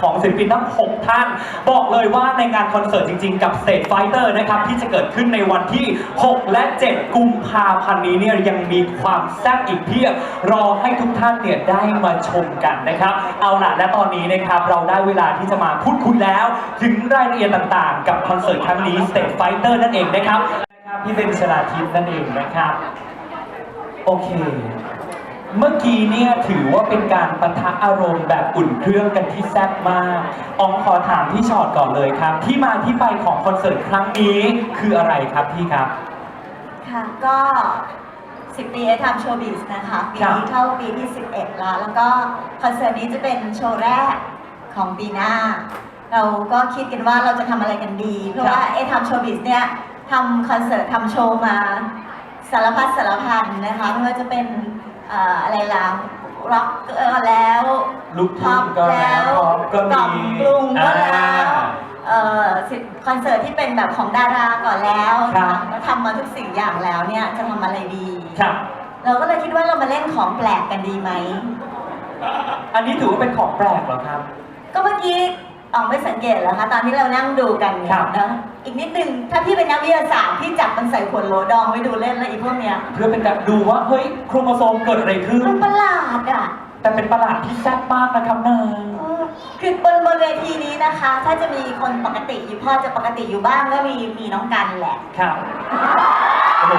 ของศิลปินทั้ง 6 ท่านบอกเลยว่าในงานคอนเสิร์ตจริงๆกับ Stage Fighter นะครับที่จะเกิดขึ้นในวันที่ 6 และ 7 กุมภาพันธ์นี้เนี่ยยังมีความแซ่บอีกเพียบรอให้ทุกท่านเนี่ยได้มาชมกันนะครับเอาล่ะและตอนนี้นะครับเราได้เวลาที่จะมาพูดคุยแล้วถึงรายละเอียดต่างๆกับคอนเสิร์ตครั้งนี้ Stage Fighter นั่นเองนะครับพี่เบนชลาทิพย์นั่นเองนะครับโอเคเมื่อกี้เนี่ยถือว่าเป็นการปะทะอารมณ์แบบอุ่นเครื่องกันที่แซ่บมากอองขอถามพี่ชอตก่อนเลยครับที่มาที่ไปของคอนเสิร์ตครั้งนี้คืออะไรครับพี่ครับค่ะก็10 ปีทำโชว์บิสนะคะปีนี้เข้าปีที่11แล้วก็คอนเสิร์ตนี้จะเป็นโชว์แรกของปีหน้าเราก็คิดกันว่าเราจะทำอะไรกันดีเพราะว่าทำโชว์บิสเนี่ยทำคอนเสิร์ตทำโชว์มาสารพัดสารพันนะคะไม่ว่าจะเป็นอะไรล่ะร็อกแล้วลูกทุ่งก็แล้วก็มีกรุงก็แล้วคอนเสิร์ตที่เป็นแบบของดาราก่อนแล้วทำมาทุกสิ่งอย่างแล้วเนี่ยจะทำอะไรดีเราก็เลยคิดว่าเรามาเล่นของแปลกกันดีไหมอันนี้ถือว่าเป็นของแปลกเหรอครับก็เมื่อกี้ออกไม่สังเกตเหรอคะตอนที่เรานั่งดูกันนะอีกนิดนึงถ้าพี่เป็นนักวิทยาศาสตร์พี่จับมันใส่ขวดโหลดองไว้ดูเล่นแล้วอีพวกเนี้ยเพื่อเป็นการดูว่าเฮ้ยโครโมโซมเกิดอะไรขึ้นมันประหลาดอ่ะแต่เป็นประหลาดที่แซ่บมากนะครับนายคือบนเวทีนี้นะคะถ้าจะมีคนปกติอยู่พอจะปกติอยู่บ้างก็มีน้องกันแหละครับโอ้โห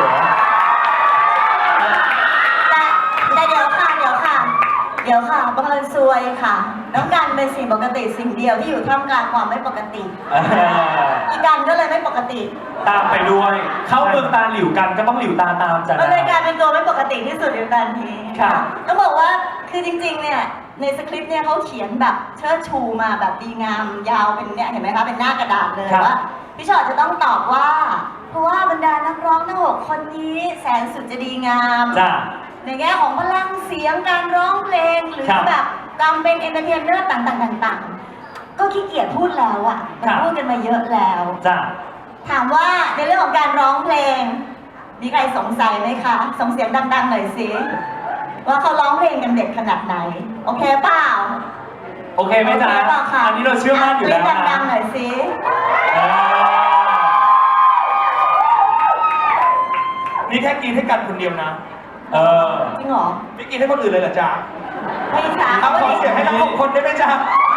แต่เดี๋ยวค่ะบังเอิญซวยค่ะน้องกันเป็นสิ่งปกติสิ่งเดียวที่อยู่ท่ามกลางความไม่ปกติอีกันก็เลยไม่ปกติตามไปด้วยเข้าเมืองตาหลิวกันก็ต้องหลิวตาตามจ้ะมันเลยกลายเป็นตัวไม่ปกติที่สุดในการนี้ค่ะต้องบอกว่าคือจริงๆเนี่ยในสคริปต์เนี่ยเขาเขียนแบบเชิดชูมาแบบดีงามยาวเป็นเนี่ยเห็นไหมคะเป็นหน้ากระดาษเลยว่าพี่ชอตจะต้องตอบว่าเพราะว่าบรรดานักร้องทั้ง6 คนนี้แสนสุดจะดีงามในแง่ของพลังเสียงการร้องเพลงหรือแบบการเป็นเอนเตอร์เทนเนอร์ต่างๆก็ขี้เกียจพูดแล้วอ่ะมันพูดกันมาเยอะแล้วถามว่าในเรื่องของการร้องเพลงมีใครสงสัยไหมคะส่งเสียงดังๆหน่อยสิว่าเขาร้องเพลงกันเด็ดขนาดไหนโอเคเปล่าโอเคไหมจ๊ะอันนี้เราเชื่อมั่นอยู่แล้วนะดังๆหน่อยสินี่แค่กินให้กันคนเดียวนะจริงเหรอไม่กินให้คนอื่นเลยเหรอจ๊ะไม่จ้าเอาขอเสียงให้ทั้ง6 คนได้ไหมจ๊ะ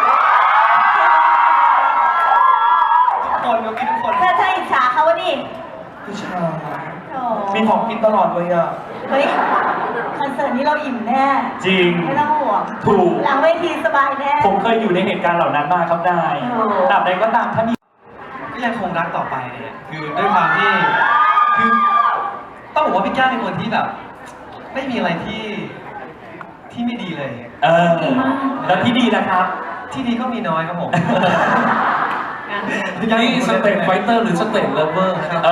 ทุกคนก็กินทุกคนถ้าอิจฉาเขาวะดิอิจฉามีของกินตลอดเลยอ่ะเฮ้ยคอนเสิร์ตนี้เราอิ่มแน่จริงไม่ต้องห่วงถูกหลังเวทีสบายแน่ผมเคยอยู่ในเหตุการณ์เหล่านั้นมาครับนายตราบใดก็ตามถ้ามีก็ยังคงรักต่อไปเนี่ยคือด้วยความที่คือต้องบอกว่าพี่แก้วเป็นคนที่แบบไม่มีอะไรที่ไม่ดีเลยแล้วที่ดีนะครับที่ดีก็มีน้อยครับผมนี่สเตทไฟเตอร์หรือสเตทเลเวอร์ครับ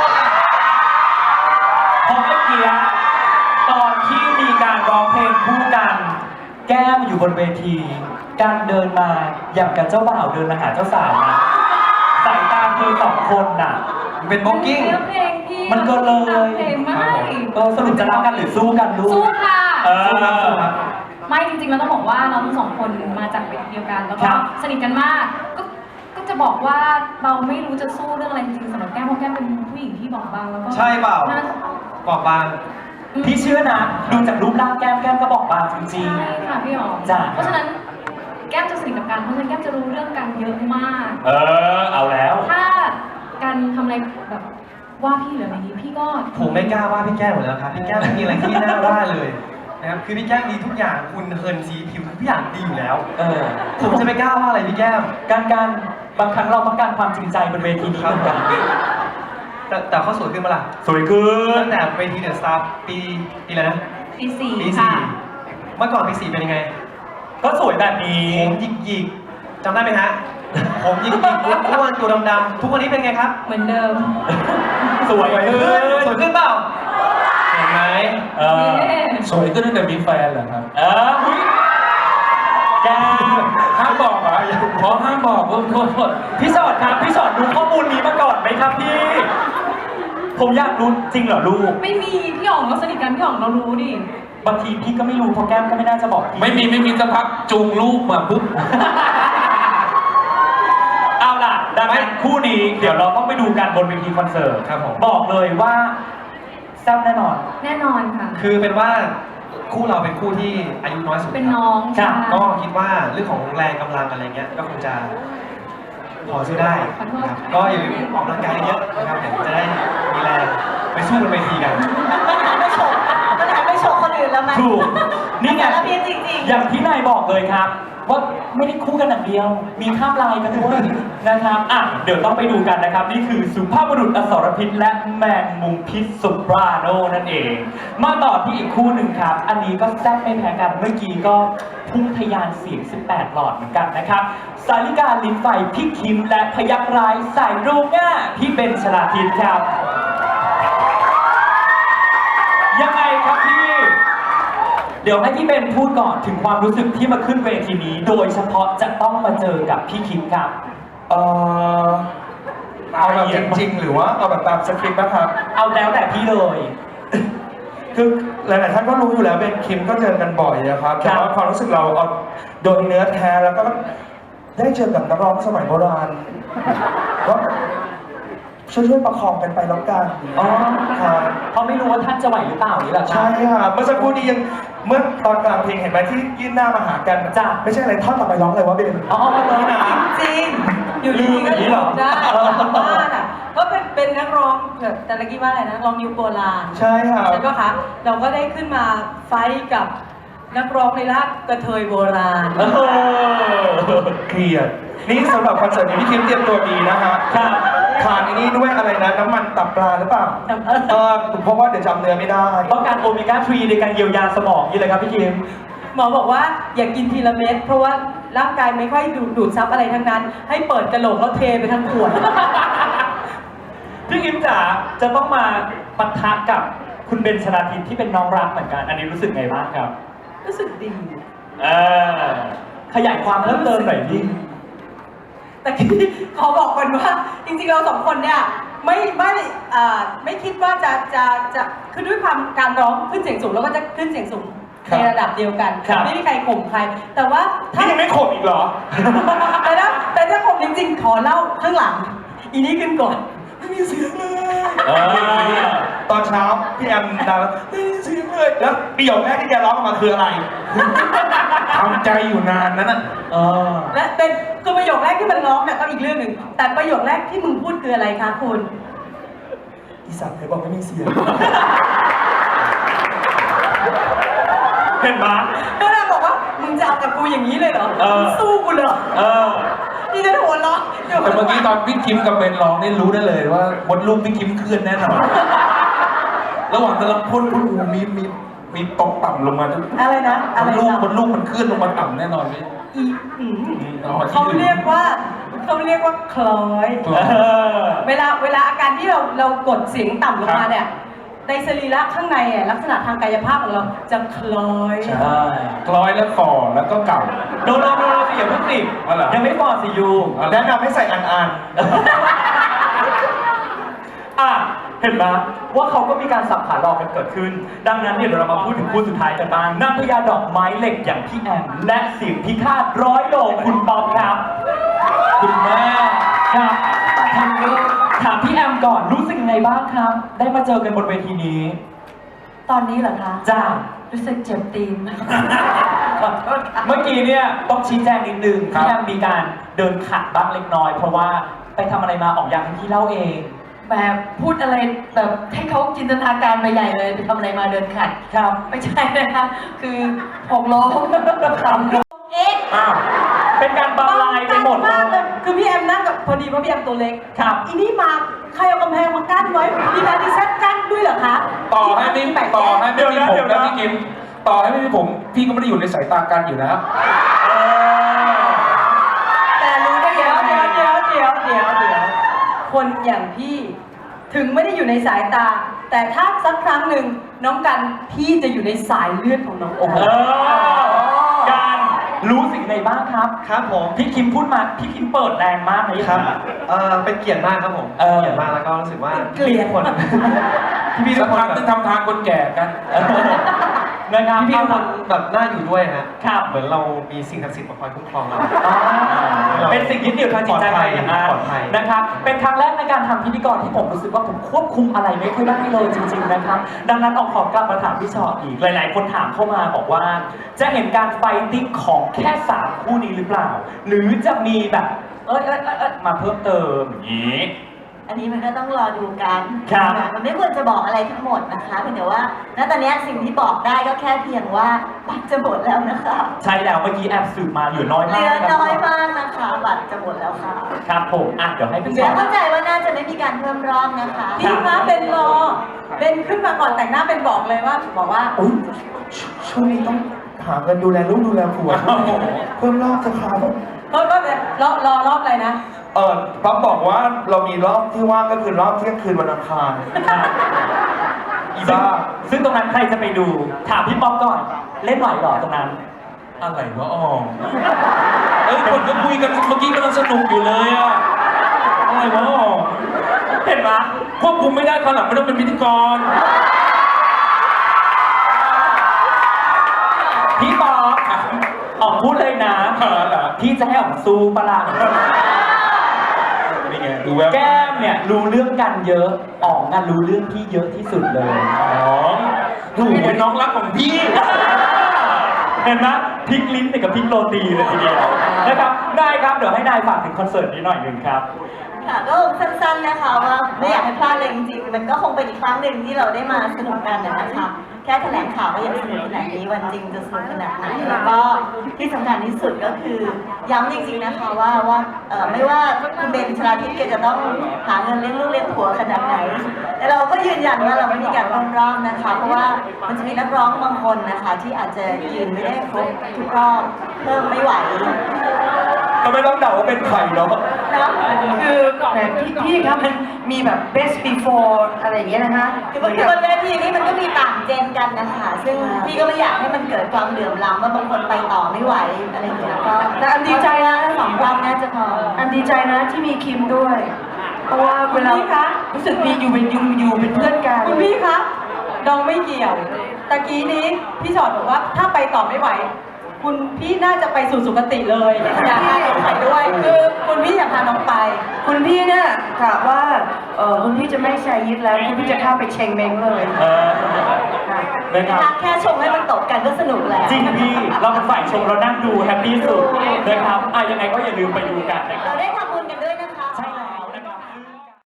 พอเมื่อกี้ตอนที่มีการร้องเพลงคู่กันแก้มอยู่บนเวทีการเดินมาอย่างกับเจ้าบ่าวเดินมาหาเจ้าสาวนะสายตาเธอ2 คนน่ะเป็นบ็อกกิ้งมันก็เลยสรุปจะรักกันหรือสู้กันลูกสู้ค่ะไม่จริงๆเราต้องบอกว่าเราทั้ง2 คนมาจากเวทีเดียวกันแล้วก็สนิทกันมากก็จะบอกว่าเราไม่รู้จะสู้เรื่องอะไรจริงๆสำหรับแก้มเพราะแก้มเป็นผู้หญิงที่บอกบางแล้วก็ใช่เปล่าบอกบางพี่เชื่อนะดูจากรูปร่างแก้มก็บอกบางจริงๆใช่ค่ะพี่อ๋อเพราะฉะนั้นแก้มจะสนิทกับการเพราะฉะนั้นแก้มจะรู้เรื่องการเยอะมากเอาแล้วถ้าการทำอะไรแบบว่าพี่หรืออะไรนี้พี่ก็ผมไม่กล้าว่าพี่แก้มหมดแล้วครับพี่แก้มไม่มีอะไรที่น่าว่าเลยนะครับคือพี่แก้มดีทุกอย่างคุณเฮิร์นซีผิวทุกอย่างดีอยู่แล้วผมจะไม่กล้าว่าอะไรพี่แก้มการบางครั้งเราต้องการความจริงใจบนเวทีนี้เหมือนกันแต่เขาสวยขึ้นมาล่ะสวยขึ้นตั้งแต่เวทีเดอะสตาร์ปีอะไรนะปี 4ค่ะเมื่อก่อนปี 4เป็นยังไงก็สวยแบบนี้ผมหยิกจำได้ไหมฮะผมหยิกอ้วนตัวดำๆทุกวันนี้เป็นไงครับเหมือนเดิมสวยขึ้นเปล่าเห็นไหมสวยขึ้นตั้งแต่มีแฟนเหรอครับแกห้ามบอกเหรอขอห้ามบอกโทษพี่สอดครับพี่สอดรู้ข้อมูลนี้มาก่อนไหมครับพี่ผมอยากรู้จริงเหรอลูกไม่มีพี่อ๋องเราสนิทกันพี่อ๋องเรารู้ดิบางทีพี่ก็ไม่รู้เพราะแก้มก็ไม่น่าจะบอกไม่มีสักพักจูงลูกมาปุ๊บคู่นี้เดี๋ยวเราต้องไปดูกันบนเวทีคอนเสิร์ตครับผมบอกเลยว่าแซ่บแน่นอนแน่นอนค่ะคือเป็นว่าคู่เราเป็นคู่ที่อายุน้อยสุดเป็นครับน้องครับค่ะก็คิดว่าเรื่องของแรงกำลังอะไรเงี้ยก็คงจะพอสู้ได้ขอโทษครับก็อย่าลืมออกกำลังกายเยอะนะครับผมจะได้มีแรงไปสู้บนเวทีกันไม่ฉกมันหันไปฉกคนอื่นแล้วมั้ยถูกนี่ไงสารพิษจริงๆอย่างที่นายบอกเลยครับ ว่าไม่ได้คู่กันอย่างเดียว มีข้ามลายกันด้วยนะครับอ่ะเดี๋ยวต้องไปดูกันนะครับ นี่คือสุภาพบุรุษอสรพิษและแมงมุมพิษสุปราโนนั่นเอง มาต่อที่อีกคู่หนึ่งครับ อันนี้ก็แซ่บไม่แพ้กันเมื่อกี้ก็พุ่งทะยานเสียง 18 หลอดเหมือนกันนะครับสาริกาลิ้นไฟพี่คิมและพยักร้ายสายรุ้งอ่ะพี่เบนชลาทิศครับ ยังไงครับพี่ เดี๋ยวให้พี่เบนพูดก่อนถึงความรู้สึกที่มาขึ้นเวทีนี้ โดยเฉพาะจะต้องมาเจอกับพี่คิมครับเอาแบบจริงๆ หรือว่าเอาแบบตามสคริปต์นะครับเอาแล้วแต่พี่เลยคือหลายๆท่านก็รู้อยู่แล้วเบนคิมก็เจอกันบ่อยนะครับครัแต่บว่าความรู้สึกเราเอาโดยเนื้อแท้แล้วก็ได้เจอกับนักร้องสมัยโบราณก็ช่วยๆประคองกันไปแล้วกันอ๋อครับเขาไม่รู้ว่าท่านจะไหวหรือเปล่านี่แหละครัใช่บค่ะเมื่อสักครู่นี้ยังเมื่อตอนกลางเพลงเห็นไหมที่ยื่นหน้ามาหากันจ้ะไม่ใช่อะไรท่อนต่อไปร้องอะไรวะเบนอ๋อเลยนะจริงอยู่ดีๆก็อย่างนี้เหรอได้บ้านอ่ะก็เป็นนักร้องแบบแต่ละกี้ว่าอะไรนะนักร้องนิวโบราณใช่ค่ะใช่ปะคะเราก็ได้ขึ้นมาไฟท์กับนักร้องในรากกระเทยโบราณเออเครียดนี่สำหรับคอนเสิร์ตนี้พี่คิมเตรียมตัวดีนะฮะครับทานอันนี้ด้วยอะไรนะน้ำมันตับปลาหรือเปล่าเพราะว่าเดี๋ยวจำเนื้อไม่ได้ต้องการโอเมก้า 3 ในการเยียวยาสมองนี่เลยครับพี่คิมหมอบอกว่าอย่ากินทีละเม็ดเพราะว่าร่างกายไม่ค่อยดูดซับอะไรทั้งนั้น ให้เปิดกระโหลกแล้วเทไปทั้งขวดพี่คิมจ๋าจะต้องมาปะทะกับคุณเบนชลาทิศที่เป็นน้องรักเหมือนกัน อันนี้รู้สึกไงบ้างครับรู้สึกดีเออขยายความเพิ่มเติมหน่อยพี่แต่ที่ขอบอกก่อนว่าจริงๆเราสองคนเนี่ยไม่คิดว่าจะคือด้วยความการร้องขึ้นเสียงสูงแล้วก็จะขึ้นเสียงสูงครับในระดับเดียวกันครับไม่มีใครข่มใคร แต่ว่าถ้านี่ยังไม่ขบอีกเหรอแต่ถ้าข่มจริงๆ ขอเล่าข้างหลัง อีนี้ขึ้นก่อนไม่มีเสียงเลยเออตอนเช้าพี่แอมดังไม่มีเสียงเลย แล้วประโยคแรกที่แกร้องออกมาคืออะไร ทำใจอยู่นานนั้นน่ะเออและเป็นคือประโยคแรกที่มันร้องเนี่ยก็อีกเรื่องหนึ่งแต่ประโยคแรกที่มึงพูดคืออะไรคะคุณอีสัตว์ไหนบอกไม่มีเสียงเห็นไหมก็เลยบอกว่ามึงจะเอากับกูอย่างนี้เลยเหรอเออมึงสู้กูเหรอเออนี่จะหัวเราะดี๋ยวแต่เมื่อกี้ตอนพี่คิมกับเบนร้องนี่รู้ได้เลยว่ามดลูกพี่คิมเคลื่อนแน่นอน ระหว่างกำลังพ่นโอ้โหมีตกต่ำลงมาด้วยอะไรนะอะไรมดลูกนะมดลูกมันเคลื่อนลงมาต่ำแน่นอนพี่อีอืมอ๋อเขาเรียกว่าคล้อยเออเวลาอาการที่เรากดเสียงต่ำลงมาเนี่ยในสรีระข้างในอ่ะลักษณะทางกายภาพของเราจะคล้อยใช่คล้อยแล้วฝ่อแล้วก็เก่าโดนสิอย่าเพิ่งสิอ๋อเหรอยังไม่พอสิยูแนะนำให้ใส่อันอ่ะเห็นไหมว่าเขาก็มีการสับขาหลอกกันเกิดขึ้น ดังนั้นเนี่ยเดี๋ยวเรามาพูดถึงคู่สุดท้ายกันบ้างนางพญาดอกไม้เหล็กอย่างพี่แอมและเสียงพิฆาต100 โลคุณป๊อปครับ คุณแม่ครับถามพี่แอมก่อนรู้สึกยังไงบ้างครับ ได้มาเจอกันบนเวทีนี้ตอนนี้เหรอคะจ้ารู้สึกเจ็บตีนขอโทษครับเมื่อกี้เนี่ยต้องชี้แจงนิดนึงครับพี่แอมมีการเดินขัดบ้างเล็กน้อย เพราะว่าไปทำอะไรมาออกอยากให้พี่เล่าเองแบบพูดอะไรแบบให้เขาจินตนาการไปใหญ่เลยไปทำอะไรมาเดินขัดครับไม่ใช่นะคะคือหกล้อคำเอ๊ะอ้าวเป็นการบรรลัยไปหมดเลมากเลยยคือพี่แอมนั่งกับพอดีว่าพี่แอมตัวเล็กครับอีนี่มาใครเอากำแพงมากั้นไว้มีการดิเซตกั้นด้วยเหรอคะต่อให้ไม่มีผมนะพี่คิมต่อให้ไม่มีผมพี่ก็ไม่ได้อยู่ในสายตากันอยู่นะแต่รู้ได้เดี๋ยวคนอย่างพี่ถึงไม่ได้อยู่ในสายตา แต่ถ้าสักครั้งหนึ่งน้องกันพี่จะอยู่ในสายเลือดของน้องโอเออการรู้สิ่งใดบ้างครับครับผมพี่คิมพูดมา พี่คิมเปิดแรงมากเลยครับเป็นเกียรติมากครับผมเออเกียรติมากแล้วก็รู้สึกว่าเกลียดทุกคนพี่ๆทุสักกคนพักแบบนึงทำทางคนแก่กันนะครับพี่ๆทุกคนแบบน่าอยู่ด้วยฮะครับเหมือนเรามีสิ่งศักดิ์สิทธิ์มาคอยคุ้มครองเราอ๋อเป็นเป็นสิ่งยึดเหนี่ยวทางจิตใจปลอดภัยอย่างนั้นปลอดภัยนะครับเป็นครั้งแรกในการทำพิธีกรที่ผมรู้สึกว่าผมควบคุมอะไรไม่ค่อยได้เลยจริงๆนะครับดังนั้นขอกลับมาถามพี่ชออีกหลายๆคนถามเข้ามาบอกว่า จะเห็นการไฟติ้งของแค่3คู่นี้หรือเปล่า หรือจะมีแบบมาเพิ่มเติมอย่างนี้อันนี้มันก็ต้องรอดูกันครับมันไม่ควรจะบอกอะไรทั้งหมดนะคะเพียงแต่ว่าณตอนนี้สิ่งที่บอกได้ก็แค่เพียงว่าบัตรจะหมดแล้วนะคะใช่แล้วเมื่อกี้แอบสืบมาเหลือน้อยเหมาลืกอน้อยมากนะคะบัตรจะหมดแล้วค่ะครับผมเดี๋ยวให้พี่ชเดี๋ยอวเข้าใจว่าน่าจะไม่มีการเพิ่มรอบนะคะพี่คะเป็นรอเป็นขึ้นมาก่อนแต่งหน้าเป็นบอกเลยว่าบอกว่าอุ๊ยช่วงนี้ต้องหาเงินดูแลลูกดูแลผัวเพิ่มรอบจะครับรอรอบอะไรนะป๊อปบอกว่าเรามีรอบที่ว่างก็คือรอบเที่ยงคืนวันอังคาร อีบ้าซึ่งตรงนั้นใครจะไปดู ถามพี่ป๊อปก่อน เล่นไหวเหรอตรงนั้นอะไรวะอ๋อคนก็คุยกันเมื่อกี้กำลังสนุกอยู่เลยอะอะไรวะอ๋อเห็นไหมควบคุมไม่ได้ตอนหลังไม่ต้องเป็นพิธีกรพี่ป๊อปออกพูดเลยนะเหรอพี่จะให้ออกสู้ปะล่ะนี่ไงดูแววแก้มเนี่ยรู้เรื่องกันเยอะอ๋องรู้เรื่องพี่เยอะที่สุดเลยน้องถูกเป็นน้องรักของพี่เห็นไหมพลิกลิ้นกับพลิกโรตีเลยทีเดียวนะครับได้ครับเดี๋ยวให้นายฝากถึงคอนเสิร์ตนี้หน่อยหนึ่งครับค่ะก็สั้นๆนะคะว่าไม่อยากให้พลาดเลยจริงๆมันก็คงเป็นอีกครั้งหนึ่งที่เราได้มาสนุกกันนะคะแค่แถลงข่าวก็ยังสนุกขนาดนี้วันจริงจะสนุกขนาดไหนแล้วก็ที่สำคัญที่สุดก็คือย้ำจริงๆนะคะว่าไม่ว่าคุณเบนชลาทิศแกจะต้องหาเงินเลี้ยงลูกเลี้ยงผัวขนาดไหนแต่เราก็ยืนยันว่าเราไม่มีการเพิ่มรอบนะคะเพราะว่ามันจะมีนักร้องบางคนนะคะที่อาจจะยืนไม่ได้ครบทุกรอบเพิ่มไม่ไหวทำไมต้องเดาว่าเป็นใครเนาะนะคือแต่พี่ครับมันมีแบบ best before อะไรอย่างเงี้ยนะคะคือบนเวทีนี้มันก็มีต่างเจนกันนะคะซึ่งพี่ก็ไม่อยากให้มันเกิดความเหลื่อมล้ำว่าบางคนไปต่อไม่ไหวอะไรอย่างเงี้ยก็แต่อันดีใจนะสองรอบน่าจะพออันดีใจนะที่มีคิมด้วย เพราะว่าเวลาคุณพี่คะรู้สึกมีอยู่เป็นเพื่อนกันคุณพี่คะน้องไม่เกี่ยวตะกี้นี้พี่ชอดบอกว่าถ้าไปต่อไม่ไหว คุณพี่น่าจะไปสู่สุคติเลยอยากพาน้องไปด้วยคือคุณพี่อยากพาน้องไปคุณพี่เนี่ยกะว่าคุณพี่จะไม่ใช้ยิดแล้วคุณพี่จะเข้าไปเชงเม้งเลย ค่ะนะครับแค่ชมให้มันตกกันก็สนุกแล้วจริงพี่เราเป็นฝ่ายชมเรานั่งดูแฮปปี้สุดนะครับยังไงก็อย่าลืมไปดูกันนะครับเราได้ทำ